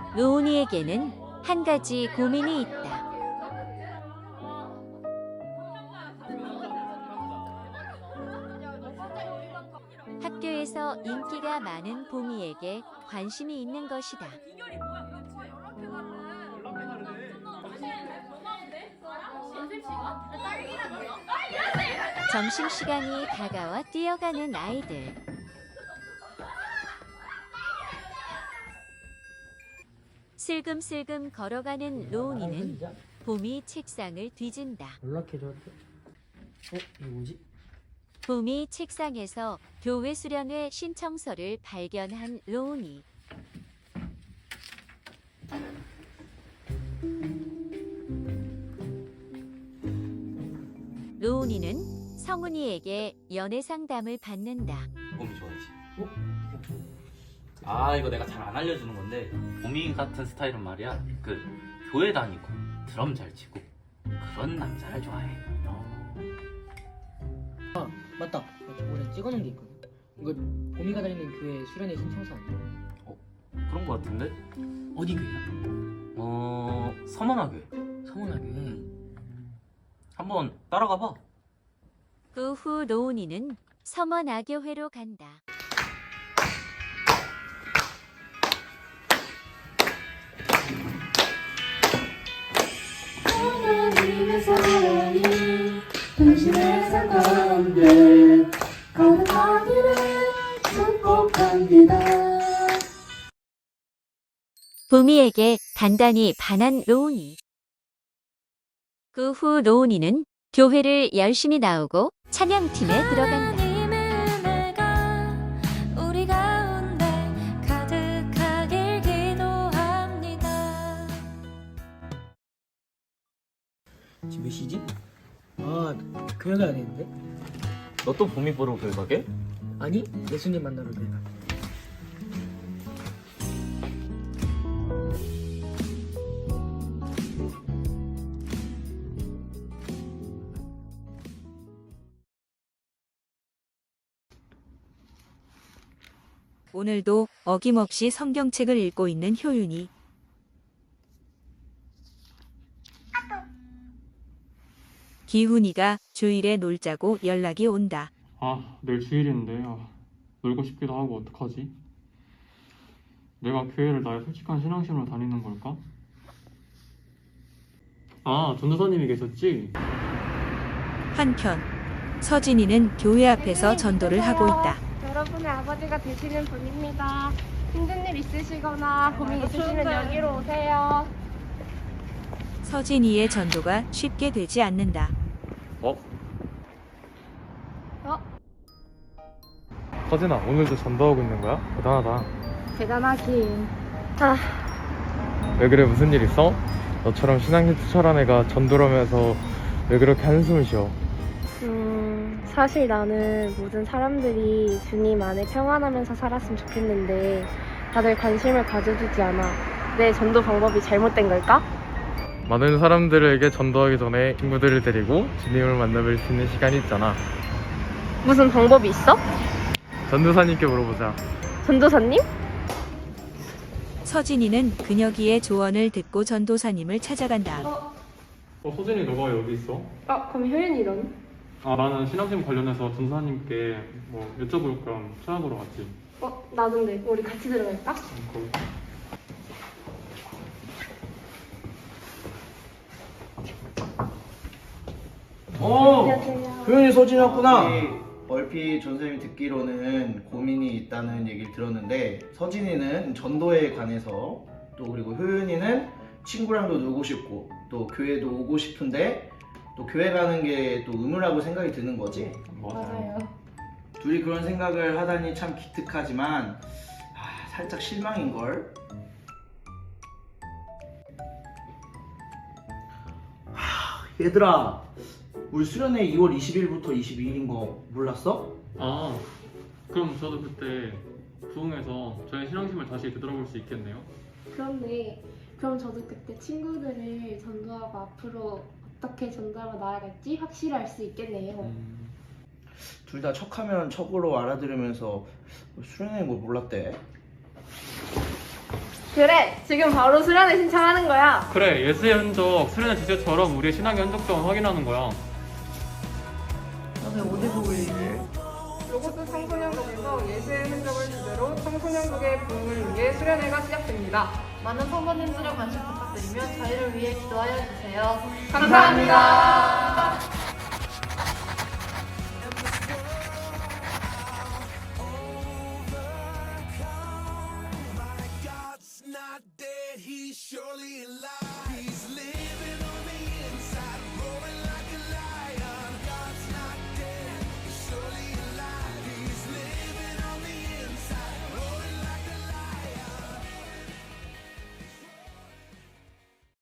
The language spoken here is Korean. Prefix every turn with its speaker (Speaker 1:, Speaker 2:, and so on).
Speaker 1: 로운이에게는 한 가지 고민이 있다. 학교에서 인기가 많은 봄이에게 관심이 있는 것이다. 점심시간이 다가와 뛰어가는 아이들. 슬금슬금 걸어가는 로운이는 봄이 책상을 뒤진다.
Speaker 2: 연락해줘도 이거 뭐지?
Speaker 1: 봄이 책상에서 교회 수련회 신청서를 발견한 로운이. 로운이는 성훈이에게 연애 상담을 받는다.
Speaker 3: 봄이 좋아하지. 아, 이거 내가 잘 안 알려주는 건데, 봄이 같은 스타일은 말이야, 교회 다니고 드럼 잘 치고 그런 남자를 좋아해.
Speaker 2: 아 맞다, 저번에 찍어놓은 게 있거든. 이거 봄이가 다니는 교회 수련회 신청서 아니야?
Speaker 3: 그런 거 같은데?
Speaker 2: 어디 교회야?
Speaker 3: 서문화교회.
Speaker 2: 성원하교회.
Speaker 3: 한번 따라가 봐.
Speaker 1: 그 후 로운이는 서머나교회로 간다.
Speaker 4: 하나님의 사랑이 당신의 삶 가운데 거듭나기를 축복합니다.
Speaker 1: 봄이에게 단단히 반한 로운이. 그 후 로운이는 교회를 열심히 나오고 찬양팀에 들어간다.
Speaker 4: 하나님의 은혜가 우리 가운데 가득하길 기도합니다.
Speaker 2: 지금 몇 시지? 아 교회 가야 되는데?
Speaker 3: 너 또 봄이 보러 교회 가게?
Speaker 2: 아니 예수님 만나러 교회 가.
Speaker 5: 오늘도 어김없이 성경책을 읽고 있는 효윤이. 기훈이가 주일에 놀자고 연락이 온다.
Speaker 6: 아, 내일 주일인데 놀고 싶기도 하고 어떡하지? 내가 교회를 나의 솔직한 신앙심으로 다니는 걸까? 아, 전도사님이 계셨지?
Speaker 5: 한편 서진이는 교회 앞에서 전도를 하고 있다.
Speaker 7: 여러분의 아버지가 되시는 분입니다. 힘든 일 있으시거나 고민 있으시면 여기로 오세요.
Speaker 5: 서진이의 전도가 쉽게 되지 않는다.
Speaker 6: 서진아, 오늘도 전도하고 있는 거야? 대단하다.
Speaker 7: 대단하긴.
Speaker 6: 왜 그래, 무슨 일 있어? 너처럼 신앙심 투철한 애가 전도를 하면서 왜 그렇게 한숨을 쉬어?
Speaker 7: 사실 나는 모든 사람들이 주님 안에 평안하면서 살았으면 좋겠는데 다들 관심을 가져주지 않아. 내 전도 방법이 잘못된 걸까?
Speaker 6: 많은 사람들에게 전도하기 전에 친구들을 데리고 주님을 만나뵐 수 있는 시간이 있잖아.
Speaker 7: 무슨 방법이 있어?
Speaker 6: 전도사님께 물어보자.
Speaker 7: 전도사님?
Speaker 5: 서진이는 그녀기의 조언을 듣고 전도사님을 찾아간다.
Speaker 6: 서진이 너가 여기 있어?
Speaker 7: 그럼 효연이런?
Speaker 6: 나는 신앙심 관련해서 전도사님께 여쭤볼 겸 찾아보러 왔지.
Speaker 7: 나 근데 우리 같이 들어갈까?
Speaker 6: 거기.
Speaker 7: 안녕하세요.
Speaker 8: 효연이 서진이었구나. 얼핏 전선생님이 듣기로는 고민이 있다는 얘기를 들었는데 서진이는 전도에 관해서 또 그리고 효연이는 친구랑도 놀고 싶고 또 교회도 오고 싶은데 또 교회 가는 게 또 의무라고 생각이 드는 거지?
Speaker 7: 맞아요.
Speaker 8: 둘이 그런 생각을 하다니 참 기특하지만 살짝 실망인걸? 얘들아, 우리 수련회 2월 20일부터 22일인 거 몰랐어?
Speaker 6: 그럼 저도 그때 부흥해서 저의 신앙심을 다시 되돌아볼 수 있겠네요.
Speaker 7: 그렇네. 그럼 저도 그때 친구들을 전도하고 앞으로 어떻게 전도하며 나아갈지 확실히 알 수 있겠네요.
Speaker 8: 둘 다 척하면 척으로 알아들으면서 수련회인 걸 몰랐대.
Speaker 7: 그래, 지금 바로 수련회 신청하는 거야.
Speaker 6: 그래, 예수의 흔적, 수련의 지체처럼 우리의 신앙의 흔적 또한 확인하는 거야.
Speaker 2: 너네 어디 보고 얘기해?
Speaker 9: 로고스 청소년국에서 예수의 흔적을 주제로 청소년국의 부흥을 위해 수련회가 시작됩니다.
Speaker 10: 많은 성도님들의 관심 부탁드리며 저희를 위해 기도하여 주세요.
Speaker 9: 감사합니다.
Speaker 11: Not dead, he's surely alive.